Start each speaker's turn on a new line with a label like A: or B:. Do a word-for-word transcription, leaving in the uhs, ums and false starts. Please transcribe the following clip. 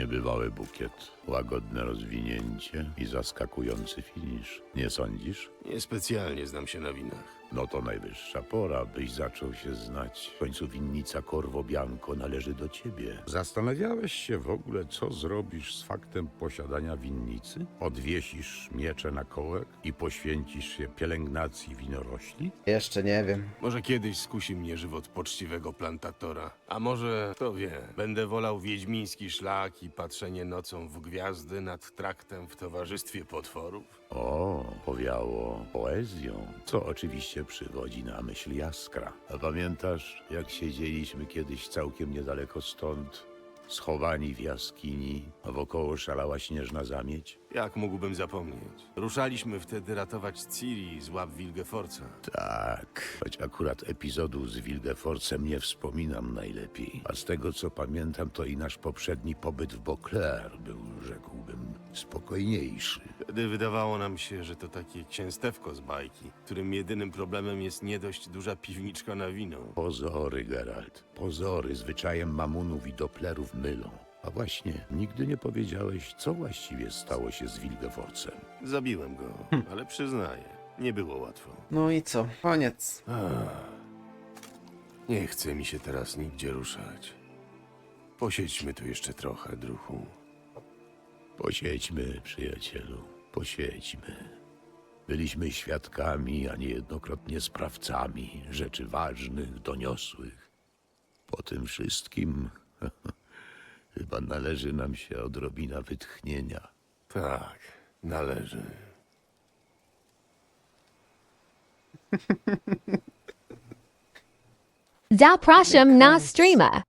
A: Niebywały bukiet, łagodne rozwinięcie i zaskakujący finisz. Nie sądzisz?
B: Niespecjalnie znam się na winach.
A: No to najwyższa pora, byś zaczął się znać. W końcu winnica Corvo Bianco należy do ciebie. Zastanawiałeś się w ogóle, co zrobisz z faktem posiadania winnicy? Odwiesisz miecze na kołek i poświęcisz się pielęgnacji winorośli?
C: Jeszcze nie wiem.
B: Może kiedyś skusi mnie żywot poczciwego plantatora. A może, kto wie, będę wolał wiedźmiński szlak i patrzenie nocą w gwiazdy nad traktem w towarzystwie potworów?
A: O, powiało poezją, co oczywiście przywodzi na myśl Jaskra. A pamiętasz, jak siedzieliśmy kiedyś całkiem niedaleko stąd, schowani w jaskini, a wokoło szalała śnieżna zamieć?
B: Jak mógłbym zapomnieć? Ruszaliśmy wtedy ratować Ciri z łap Wilgefortza.
A: Tak, choć akurat epizodu z Wilgeforcem nie wspominam najlepiej. A z tego co pamiętam, to i nasz poprzedni pobyt w Beauclair był, rzekłbym, spokojniejszy.
B: Wtedy wydawało nam się, że to takie księstewko z bajki, którym jedynym problemem jest nie dość duża piwniczka na wino.
A: Pozory, Geralt, pozory zwyczajem mamunów i doplerów mylą. A właśnie, nigdy nie powiedziałeś, co właściwie stało się z Wilgeforcem.
B: Zabiłem go, ale przyznaję, nie było łatwo.
C: No i co? Koniec.
B: Nie chce mi się teraz nigdzie ruszać. Posiedźmy tu jeszcze trochę, druhu.
A: Posiedźmy, przyjacielu, posiedźmy. Byliśmy świadkami, a niejednokrotnie sprawcami rzeczy ważnych, doniosłych. Po tym wszystkim chyba należy nam się odrobina wytchnienia.
B: Tak, należy.
D: Zapraszam na streama.